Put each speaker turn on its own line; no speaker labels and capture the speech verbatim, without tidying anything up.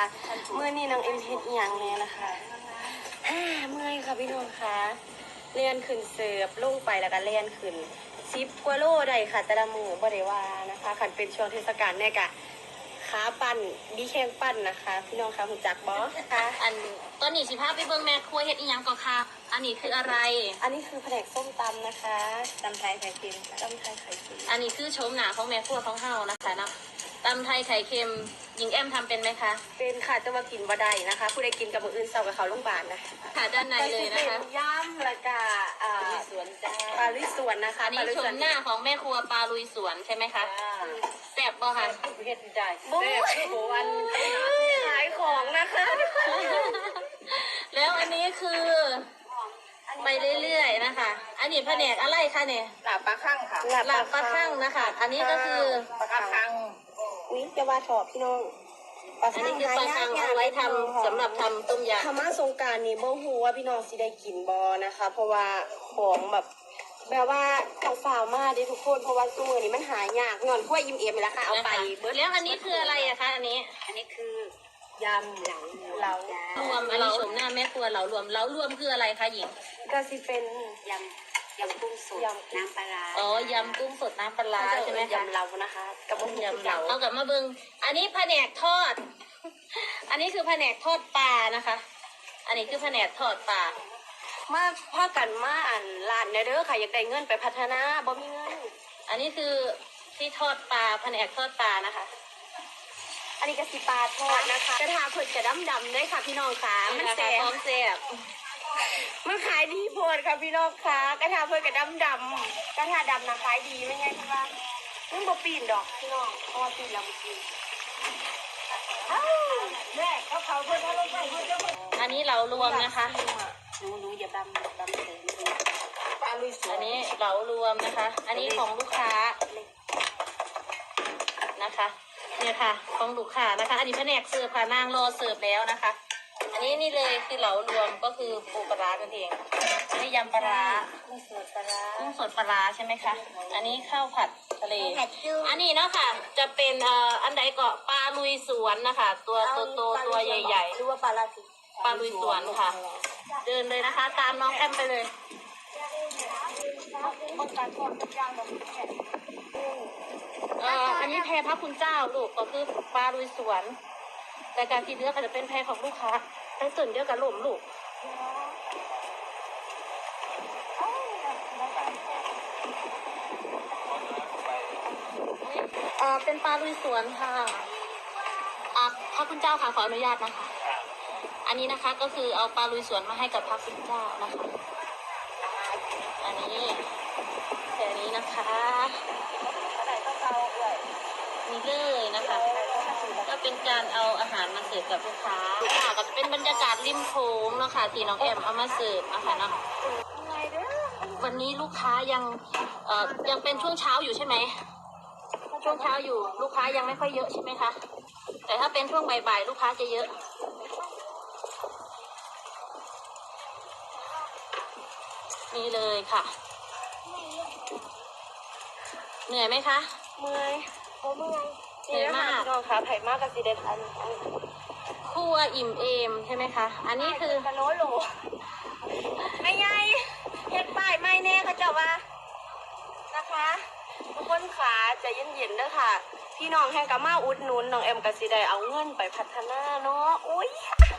เมื่อนี้น้องเอ็มเฮ็ดอีหยังแน่นะคะเมื่อยค่ะพี่น้องคะเลียนขึ้นเสิร์ฟลงไปแล้วก็เลียนขึ้นซิปกว่าโลได้ค่ะแต่ละมือบ่ได้ว่านะคะขันเป็นช่วงเทศกาลเนี่ยกะขาปั่นดีแข้งปั่นนะคะพี่น้องคะหุ่นจักบอสค่ะ
อันตอนนี้สิพาไปเบิ่งแม่ครัวเฮ็ดอีหยังก่อนค่ะอันนี้คืออะไร
อันนี้คือแผนกส้มตำนะคะตำไทยไข่เค็มตำไทยไข่เค็ม
อันนี้คือโฉมหน้าของแม่ครัวของเฮานะคะเนาะตำไทยไข่เค็มหญิงแอมทำเป็นไหมคะ
เป็นค่ะจะมากินบ่ได้นะคะผู้ใดกินกับมืออื่นเศร้ากับเขาโรงพยาบาลนะ
ค่ะด้านในเลยนะคะ
ย่ำละกาอ่าสวนจ้าปลาลุยสวนนะคะ
อันนี้โฉมหน้าของแม่ครัวปลาลุยสวนใช่ไหมคะแซ่บบ่ค่ะ
เฮ็ดได้แซ่บโบวันขายของนะคะ
แล้วอันนี้คือไปเรื่อยๆนะคะอันนี้แผนกอะไรคะเนี่ย
หลาบปลาคั่งค่ะ
หลาบปลาคั่งนะคะอันนี้ก็คือ
ปลาคั่ง
อุ้ยจะว่าชอบพี่น้อง
อันนี้คือปลาคั่งเอาไว้ทำสำหรับทำต้มยำ
ธรรมะสงการนี้บ่ฮู้ว่าพี่น้องสิได้กินบ่นะคะ เพราะว่าของแบบแบบว่าต้องฝ่าวมาดิทุกคนเพราะว่าตัวนี้มันหายากเงินขั้วยิ้มเอ็มแล้วค่ะเอาไป
เบิร์ดแล้วอันนี้คืออะไรอะคะอันนี้
อันนี้คือยำเหลาเหลาร
วมอันนี้ชมหน้าแม่ครัวเหลารวมเหลารวมคืออะไรคะหญิง
ก็สิเป็น
ยำยำกุ้งสดน้ำปลา
อ๋อยำกุ้งสดน้ำปลาใช่ไหมคะ
ยำเหลานะคะกับ
ยำเหลาเอากลับมาเบิ้งอันนี้แผนกทอดอันนี้คือแผนกทอดปลานะคะ อันนี้คือแผนกทอดปลา
มาพากันมาอ่านร้านเด้อค่ะอยากได้เงินไปพัฒนาบ่มีเงิน
อันนี้คือที่ทอดปลาแผนกทอดปลานะคะ
อันนี้ก็สิปลาทอดนะคะกระทาเผิดกระดำดำด้วยค่ะพี่น้องค่ะ
มันแซ่บพร้อมแซ่บ
มันขายดีโพดค่ะพี่น้องค่ะกระทาเผิดกระดำดำกระทาดำนะขายดีไม่ไงพี่ว่ามันบ่ปีนดอกพี่น้องเพราะว่าปีนแล้วมันปีนแม่เขาเขาเพิ่นเขาลงไปเพิ่นจะ
อันนี้เรารวมนะคะ
หนูหนูอย่าดำดำเสน
ปลาลุยสวน
อันนี้เรารวมนะคะ อันนี้ของลูกค้านะคะเนี่ยค่ะของลูกค้านะคะอันนี้แผนกเสิร์ฟค่ะนางรอเสิร์ฟแล้วนะคะอันนี้นี่เลยคือเหลารวมก็คือปูปลากันเองอันนี้ยำปลา
กุ้งสดปลา
กุ้งสดปลาใช่ไหมคะอันนี้ข้าวผัดทะเลอันนี้เนาะค่ะจะเป็นเอ่ออันใดก็ปลาลุยสวนนะคะตัวโตๆตัวใหญ่ๆ
หรือว่าปลาลาสิ
ปลาลุยสวนค่ะเดินเลยนะคะตามน้องแอมไปเลยเอ่ออันนี้แพรพระคุณเจ้าลูกก็คือปลาลุยสวนแต่การที่เนื้อก็จะเป็นแพรของลูกค้าทั้งส่วนเดียวกับหล่มลูกเอ่อเป็นปลาลุยสวนค่ะอ่ะพระคุณเจ้าค่ะขออนุญาตนะคะอันนี้นะคะก็คือเอาปลาลุยสวนมาให้กับพระคุณเจ้านะคะอันนี้แค่นี้นะคะนี่เลยนะคะก็เป็นการเอาอาหารมาเสิร์ฟกับลูกค้าลูกค้าก็จะเป็นบรรยากาศริมโขงเนาะค่ะที่น้องแอมเอามาเสิร์ฟนะคะเนาะวันนี้ลูกค้ายังเอ่อยังเป็นช่วงเช้าอยู่ใช่ไหมช่วงเช้าอยู่ลูกค้ายังไม่ค่อยเยอะใช่ไหมคะแต่ถ้าเป็นช่วงบ่ายๆลูกค้าจะเยอะนี่เลยค่ะเหนื่อยไหมคะ
เมื่อยโอ้เมื่อย
เหนื่อยมาก
พี่น้องค่ะไผ่มากกับสีเดทัน
คั่วอิ่มเอมใช่ไหมคะอันนี้คือก
ะโหลโหลไม่ไงเฮ็ดป้ายไม่แน่เขาจะว่านะคะทุกคนขาใจเย็นๆเด้อค่ะพี่น้องแห่งกะมาอุดหนุนน้องเอ็มกับสีได้เอาเงินไปพัฒนาเนาะอุ้ย